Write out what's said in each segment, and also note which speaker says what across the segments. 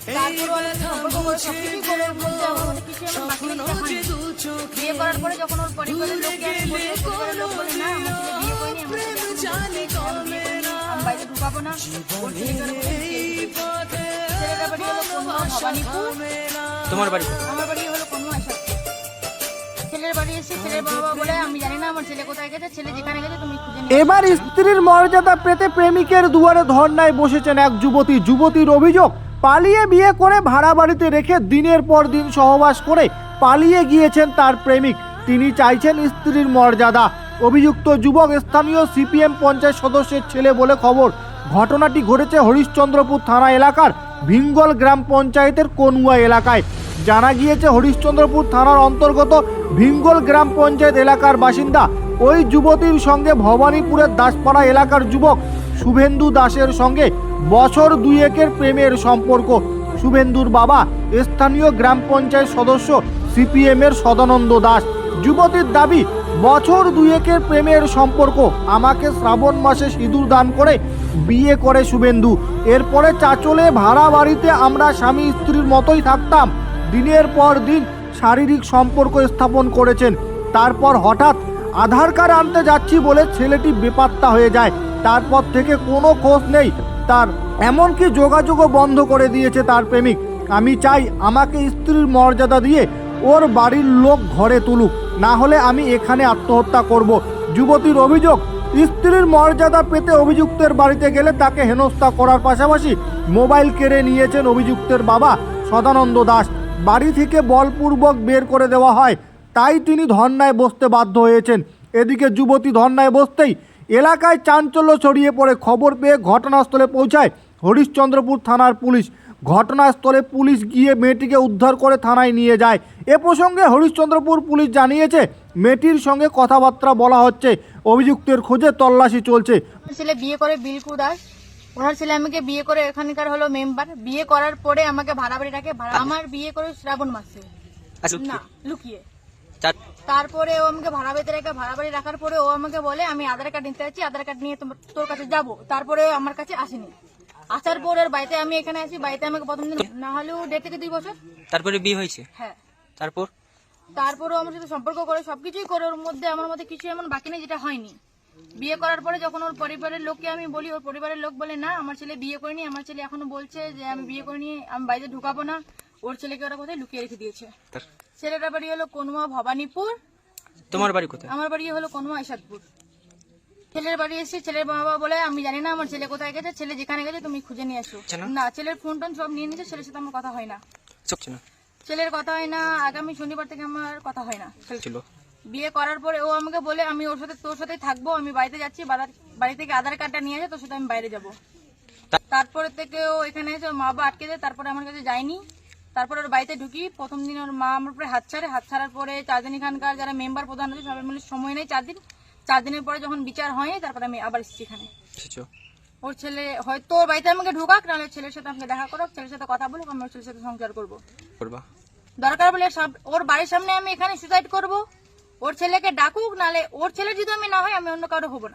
Speaker 1: তারপরে অনেক সম্পর্ক করে সবকিছু করে ওর মধ্যে আমার মধ্যে কিছু এমন বাকি রেখে হয়নি। বিয়ে করার পরে যখন ওর পরিবারের লোককে আমি বলি, ওর পরিবারের লোক বলে না আমার ছেলে বিয়ে করেনি, আমার ছেলে এখনো বলছে আমি বিয়ে করিনি, আমি বাইরে ঢুকাবো না, ওর ছেলেকে ওরা কোথায় লুকিয়ে রেখে দিয়েছে। ছেলেটার বাড়ি হলো কনুয়া ভবানীপুর।
Speaker 2: তোমার বাড়ি?
Speaker 1: আমার বাড়ি হলো কনুয়া এসব। ছেলের বাড়ি এসে ছেলের বাবা বলে আমি জানি না আমার ছেলে কোথায় গেছে, ছেলে যেখানে গেছে তুমি খুঁজে নিয়ে
Speaker 3: এবার স্ত্রীর মর্যাদা পেতে প্রেমিকের দুয়ারে ধর্নায় বসেছেন এক যুবতী। যুবতীর অভিযোগ, পালিয়ে বিয়ে করে ভাড়া বাড়িতে রেখে দিনের পর দিন সহবাস করে পালিয়ে গিয়েছেন তার প্রেমিক। তিনি চাইছেন স্ত্রীর মর্যাদা। অভিযুক্ত যুবক স্থানীয় সিপিএম পঞ্চায়েত সদস্যের ছেলে বলে খবর। ঘটনাটি ঘটেছে হরিশ্চন্দ্রপুর থানা এলাকার ভিঙ্গল গ্রাম পঞ্চায়েতের কনুয়া এলাকায়। জানা গিয়েছে হরিশ্চন্দ্রপুর থানার অন্তর্গত ভিঙ্গল গ্রাম পঞ্চায়েত এলাকার বাসিন্দা ওই যুবতীর সঙ্গে ভবানীপুরের দাসপাড়া এলাকার যুবক শুভেন্দু দাসের সঙ্গে বছর দুয়েকের প্রেমের সম্পর্ক। শুভেন্দুর বাবা স্থানীয় গ্রাম পঞ্চায়েত সদস্য সিপিএমের সদানন্দ দাস। যুবতীর দাবি, বছর দুয়েকের প্রেমের সম্পর্ক, আমাকে শ্রাবণ মাসে সিঁদুর দান করে বিয়ে করে শুভেন্দু। এরপরে চাচলে ভাড়া বাড়িতে আমরা স্বামী স্ত্রীর মতোই থাকতাম। দিনের পর দিন শারীরিক সম্পর্ক স্থাপন করেছেন। তারপর হঠাৎ আধার কার্ড আনতে যাচ্ছি বলে ছেলেটি বেপাত্তা হয়ে যায়। তারপর থেকে কোনো খোঁজ নেই তার, এমনকি যোগাযোগও বন্ধ করে দিয়েছে তার প্রেমিক। আমি চাই আমাকে স্ত্রীর মর্যাদা দিয়ে ওর বাড়ির লোক ঘরে তুলুক, না হলে আমি এখানে আত্মহত্যা করব। যুবতীর অভিযোগ, স্ত্রীর মর্যাদা পেতে অভিযুক্তের বাড়িতে গেলে তাকে হেনস্থা করার পাশাপাশি মোবাইল কেড়ে নিয়েছেন অভিযুক্তের বাবা সদানন্দ দাস। বাড়ি থেকে বলপূর্বক বের করে দেওয়া হয়, তাই তিনি ধর্নায় বসতে বাধ্য হয়েছেন। এদিকে যুবতী ধর্নায় বসতেই এলাকায় চাঞ্চল্য ছড়িয়ে পড়ে। খবর পেয়ে ঘটনাস্থলে পৌঁছায় হরিশ্চন্দ্রপুর থানার পুলিশ। ঘটনাস্থলে পুলিশ গিয়ে মেয়েটিকে উদ্ধার করে থানায় নিয়ে যায়। এ প্রসঙ্গে হরিশ্চন্দ্রপুর পুলিশ জানিয়েছে, মেয়েটির সঙ্গে কথাবার্তা বলা হচ্ছে, অভিযুক্তের খোঁজে তল্লাশি চলছে।
Speaker 1: ছেলে বিয়ে করে বিলকু দাস, ওনার ছেলে আমাকে বিয়ে করে এখানকার হলো মেম্বার। বিয়ে করার পরে আমাকে ভাড়া বাড়ি রাখে, আমার বিয়ে করে শ্রাবণ মাসে না লুকিয়ে। তারপরে ও আমাকে ভাড়া বাড়িতে রেখে ভাড়া বাড়ি রাখার পরে ও আমাকে বলে আমি আধার কার্ড নিতে যাচ্ছি, আধার কার্ড নিয়ে তোর কাছে যাব। তারপরে আমার কাছে আসেনি। আসার পর ওর বাড়িতে আমি এখানে আসি, বাড়িতে আমাকে প্রথম দিন না হলেও 1.5 থেকে 2 বছর
Speaker 2: তারপরে বিয়ে হয়েছে?
Speaker 1: হ্যাঁ।
Speaker 2: তারপরও
Speaker 1: আমার সাথে সম্পর্ক করে সবকিছুই করে, ওর মধ্যে আমার মধ্যে কিছু এমন বাকি নেই যেটা হয়নি। বিয়ে করার পরে যখন ওর পরিবারের লোককে আমি বলি, ওর পরিবারের লোক বলে না আমার ছেলে বিয়ে করেনি, আমার ছেলে এখনো বলছে যে আমি বিয়ে করিনি, আমি বাইরে ঢুকাবো না, ওর ছেলেকে ওরা কোথায় লুকিয়ে রেখে দিয়েছে। ছেলেটার বাড়ি হলো কনুয়া ভবানীপুর।
Speaker 2: তোমার বাড়ি কোথায়?
Speaker 1: আমার বাড়ি হলো কনুয়া ইসাদপুর। ছেলের বাড়ি এসে ছেলের বাবা বলে আমি জানি না আমার ছেলে কোথায় গেছে, ছেলে যেখানে গেছে তুমি খুঁজে নিয়ে আসো। না, ছেলের ফোন টোন সব নিয়ে নিয়েছে, ছেলের সাথে আমার কথা হয় না। ছেলের কথা হয় না, আগামী শনিবার থেকে আমার কথা হয় না। বিয়ে করার পরে ও আমাকে বলে আমি ওর সাথে তোর সাথেই থাকবো, আমি বাড়িতে যাচ্ছি, বাড়ি থেকে আধার কার্ডটা নিয়ে আসে তোর সাথে আমি বাইরে যাবো। তারপরে থেকে ও এখানে এসে ওর মা বাবা আটকে দেয়, তারপরে আমার কাছে যায়নি। তারপরে ওর বাড়িতে ঢুকি, প্রথম দিন ওর মা আমার উপরে হাত ছাড়ার পরে 4 দিন এখানকার যারা মেম্বার প্রধান আছে সবাই মিলে সময় নেই 4 দিনের পরে যখন বিচার হয় তারপরে আমি আবার এসেছি এখানে। ওর ছেলে হয়তো ওর বাড়িতে আমাকে ঢুকাক, নাহলে ছেলের সাথে আমাকে দেখা করুক, ছেলের সাথে কথা বলুক, আমি ওর ছেলের সাথে সংসার করবো। দরকার বলে ওর বাড়ির সামনে আমি এখানে সুসাইড করব, ওর ছেলেকে ডাকুক, নাহলে ওর ছেলের যদি আমি না হয় আমি অন্য কারো হবো না।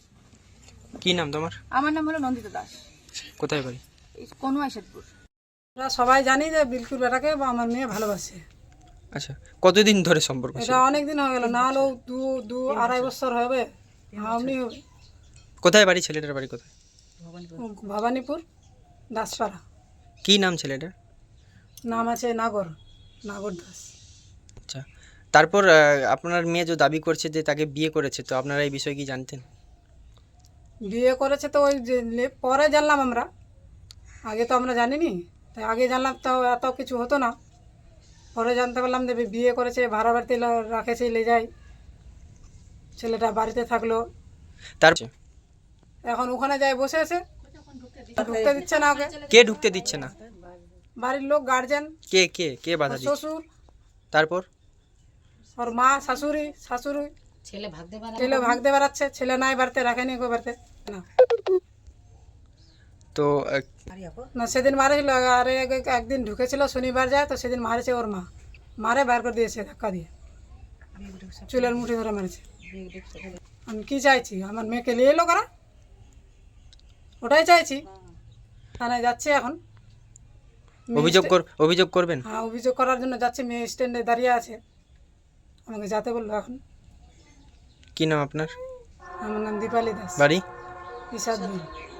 Speaker 2: কি নাম তোমার?
Speaker 1: আমার নাম হলো নন্দিতা দাস।
Speaker 2: কোথায় বাড়ি?
Speaker 1: কনুয়া ইসাদপুর।
Speaker 4: আমরা সবাই জানি যে বিলকুল বেটাকে আমার মেয়ে ভালোবাসে।
Speaker 2: আচ্ছা, কতদিন ধরে সম্পর্ক?
Speaker 4: এটা অনেক দিন হয়ে গেল, না হলেও 2-2.5 বছর হবে। আপনি হবে।
Speaker 2: কোথায় বাড়ি? ছেলেটার বাড়ি কোথায়?
Speaker 4: ভবানীপুর দাসপাড়া।
Speaker 2: কি নাম ছেলেটার?
Speaker 4: নাম আছে নাগর দাস।
Speaker 2: আচ্ছা, তারপর আপনার মেয়ে যে দাবি করছে যে তাকে বিয়ে করেছে, তো আপনারা এই বিষয়ে কি জানতেন?
Speaker 4: বিয়ে করেছে তো ওই যে পরে জানলাম আমরা, আগে তো আমরা জানিনি। তাই আগে জানলাম তো এত কিছু হতো না, পরে জানতে পারলাম যে বিয়ে করেছে, ভাড়া বাড়িতে রাখেছে, লে যায়। ছেলেটা বাড়িতে থাকলো, এখন ওখানে যায় বসে আছে, ঢুকতে দিচ্ছে না ওকে।
Speaker 2: কে ঢুকতে দিচ্ছে না?
Speaker 4: বাড়ির লোক, গার্জেন।
Speaker 2: কে কে কে বাধা দিচ্ছে?
Speaker 4: শ্বশুর,
Speaker 2: তারপর
Speaker 4: ওর মা, শাশুড়ি ছেলে ভাগতে বেড়াচ্ছে, ছেলে নাই বাড়িতে, রাখেনি কেউ বাড়িতে না।
Speaker 2: তো
Speaker 4: না, সেদিন মারেছিল, আর একদিন ঢুকেছিল শনিবার যায়, তো সেদিন মারেছে ওর মা, মারে বার করে দিয়েছে ধাক্কা দিয়ে, চুলের মুঠি ধরে মারেছে। আমি কি চাইছি, আমার মেয়েকে নিয়ে এলো কারা, ওটাই চাইছি। থানায় যাচ্ছে এখন,
Speaker 2: অভিযোগ করবেন?
Speaker 4: হ্যাঁ, অভিযোগ করার জন্য যাচ্ছি, মেয়ে স্ট্যান্ডে দাঁড়িয়ে আছে, আমাকে যেতে বললো। এখন
Speaker 2: কি নাম আপনার?
Speaker 4: আমার নাম দীপালি দাস,
Speaker 2: বাড়ি?
Speaker 4: ইসাদ